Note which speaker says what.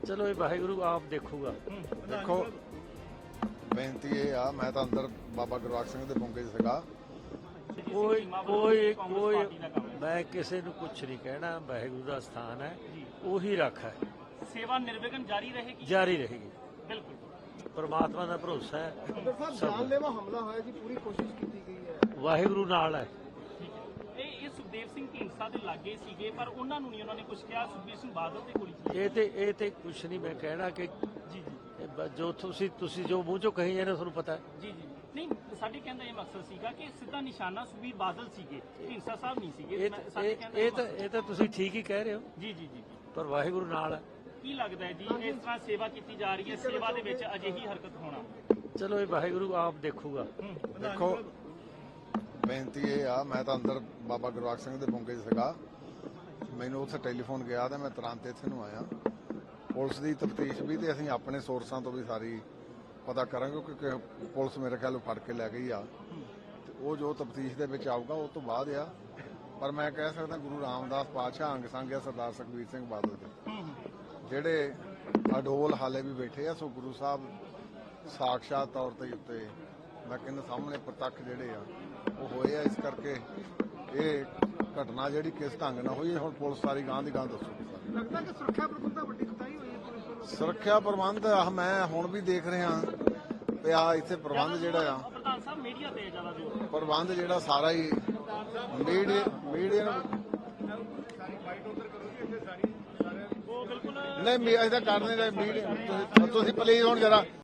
Speaker 1: ਚਲੋ ਇਹ ਵਾਹਿਗੁਰੂ ਆਪ ਦੇਖੂਗਾ।
Speaker 2: ਦੇਖੋ ਬੇਨਤੀ ਇਹ ਆ, ਮੈਂ ਤਾਂ ਅੰਦਰ ਬਾਬਾ ਗੁਰਬਖਸ਼ ਸਿੰਘ ਦੇ ਬੁੰਗੇ 'ਚ ਸੀਗਾ।
Speaker 1: ਕੋਈ ਮੈਂ ਕਿਸੇ ਨੂੰ ਕੁਛ ਨਹੀਂ ਕਹਿਣਾ, ਵਾਹਿਗੁਰੂ ਦਾ ਸਥਾਨ ਹੈ, ਉਹੀ ਰੱਖ ਹੈ।
Speaker 3: ਸੇਵਾ ਨਿਰਵਿਘਨ ਜਾਰੀ ਰਹੇਗੀ।
Speaker 1: ਜਾਰੀ ਰਹੇਗੀ,
Speaker 3: ਬਿਲਕੁਲ।
Speaker 1: ਪਰਮਾਤਮਾ ਦਾ ਭਰੋਸਾ ਹੈ।
Speaker 4: ਜਾਨਲੇਵਾ ਹਮਲਾ ਹੋਇਆ ਜੀ, ਪੂਰੀ ਕੋਸ਼ਿਸ਼ ਕੀਤੀ ਗਈ ਹੈ।
Speaker 1: ਵਾਹਿਗੁਰੂ ਨਾਲ ਹੈ।
Speaker 3: ਇਹ ਸੁਖਦੇਵ ਸਿੰਘ ਢੀਂਡਸਾ ਦੇ ਲਾਗੇ ਸੀਗੇ, ਪਰ ਉਹਨਾਂ ਨੂੰ ਨਹੀਂ ਉਹਨਾਂ ਨੇ ਕੁਝ ਕਿਹਾ। ਸੁਖਬੀਰ ਸਿੰਘ ਬਾਦਲ ਤੇ ਗੋਲੀ ਚੱਲੀ।
Speaker 1: ਇਹ ਤੇ ਕੁਛ ਨਹੀਂ ਮੈਂ ਕਹਿਣਾ ਕਿ
Speaker 3: ਜੀ
Speaker 1: ਜੋ ਤੁਸੀਂ ਜੋ ਮੂੰਹ ਚੋਂ ਕਹੀ ਜਾਂਦੇ ਤੁਹਾਨੂੰ ਪਤਾ ਹੈ।
Speaker 3: ਜੀ ਨਹੀਂ, ਸਾਡੇ ਕਹਿੰਦਾ ਇਹ ਮਕਸਦ ਸੀਗਾ ਕਿ ਸਿੱਧਾ ਨਿਸ਼ਾਨਾ ਸੁਖਬੀਰ ਬਾਦਲ ਸੀਗੇ, ਢੀਂਡਸਾ ਸਾਹਿਬ ਨਹੀਂ ਸੀਗੇ। ਸਾਡੇ ਕਹਿੰਦਾ
Speaker 1: ਇਹ ਤਾਂ ਤੁਸੀਂ ਠੀਕ ਹੀ ਕਹਿ ਰਹੇ ਹੋ।
Speaker 3: ਜੀ
Speaker 1: ਪਰ ਵਾਹਿਗੁਰੂ ਨਾਲ ਹੈ।
Speaker 3: ਕੀ ਲੱਗਦਾ ਹੈ ਜੀ, ਇਸ ਤਰ੍ਹਾਂ ਸੇਵਾ ਕੀਤੀ ਜਾ ਰਹੀ ਹੈ, ਸੇਵਾ ਦੇ ਵਿੱਚ ਅਜਿਹੀ ਹਰਕਤ ਹੋਣਾ?
Speaker 1: ਚਲੋ ਇਹ ਵਾਹਿਗੁਰੂ ਆਪ ਦੇਖੂਗਾ।
Speaker 2: ਦੇਖੋ ਬੇਨਤੀ ਇਹ ਆ, ਮੈਂ ਤਾਂ ਅੰਦਰ ਬਾਬਾ ਗੁਰਬਖਸ਼ ਸਿੰਘ ਦੇ ਬੁੰਗੇ 'ਚ ਸੀਗਾ। ਮੈਨੂੰ ਉੱਥੇ ਟੈਲੀਫੋਨ ਗਿਆ ਤੇ ਮੈਂ ਤੁਰੰਤ ਇੱਥੇ ਨੂੰ ਆਇਆ। ਪੁਲਿਸ ਦੀ ਤਫਤੀਸ਼ ਵੀ ਤੇ ਅਸੀਂ ਆਪਣੇ ਸੋਰਸਾਂ ਤੋਂ ਵੀ ਸਾਰੀ ਪਤਾ ਕਰਾਂਗੇ, ਕਿਉਂਕਿ ਪੁਲਿਸ ਮੇਰੇ ਖਿਆਲ ਫੜ ਕੇ ਲੈ ਗਈ ਆ ਤੇ ਉਹ ਜੋ ਤਫਤੀਸ਼ ਦੇ ਵਿੱਚ ਆਊਗਾ ਉਹ ਤੋਂ ਬਾਅਦ ਆ। ਪਰ ਮੈਂ ਕਹਿ ਸਕਦਾ ਗੁਰੂ ਰਾਮਦਾਸ ਪਾਤਸ਼ਾਹ ਅੰਗ ਸੰਗ ਆ ਸਰਦਾਰ ਸੁਖਬੀਰ ਸਿੰਘ ਬਾਦਲ ਦੇ, ਜਿਹੜੇ ਅਡੋਲ ਹਾਲੇ ਵੀ ਬੈਠੇ ਆ। ਸੋ ਗੁਰੂ ਸਾਹਿਬ ਸਾਖਸ਼ਾਤ ਤੌਰ ਤੇ ਉੱਤੇ ਮੈਂ ਕਹਿੰਦਾ ਸਾਹਮਣੇ ਪ੍ਰਤੱਖ ਜਿਹੜੇ ਆ ਉਹ ਹੋਏ ਆ। ਇਸ ਕਰਕੇ ਇਹ ਘਟਨਾ ਜਿਹੜੀ ਕਿਸ ਢੰਗ ਨਾਲ ਹੋਈ, ਹੁਣ ਪੁਲਿਸ ਸਾਰੀ ਗਾਂ ਦੀ ਗਾਂ ਦੱਸੂਗੀ।
Speaker 4: ਲੱਗਦਾ ਕਿ ਸੁਰੱਖਿਆ ਪ੍ਰਬੰਧਾਂ ਵੱਡੀ ਕੁਤਾਹੀ ਹੋਈ ਹੈ ਪੁਲਿਸ ਵੱਲੋਂ।
Speaker 2: ਸੁਰੱਖਿਆ ਪ੍ਰਬੰਧ ਮੈਂ ਹੁਣ ਵੀ ਦੇਖ ਰਿਹਾ ਤੇ ਆ ਇੱਥੇ ਪ੍ਰਬੰਧ ਜਿਹੜਾ ਆ,
Speaker 3: ਪ੍ਰਧਾਨ ਸਾਹਿਬ ਮੀਡੀਆ ਤੇ ਜ਼ਿਆਦਾ ਜ਼ੋਰ।
Speaker 2: ਪ੍ਰਬੰਧ ਜਿਹੜਾ ਸਾਰਾ ਹੀ ਮੀਡੀਆ
Speaker 3: ਉਹ ਬਿਲਕੁਲ
Speaker 2: ਨਹੀਂ ਅਸੀਂ ਤਾਂ ਕਰ ਨਹੀਂ ਰਹੇ। ਮੀਡੀਆ ਤੁਸੀਂ ਪਲੀਜ਼ ਹੁਣ ਜਰਾ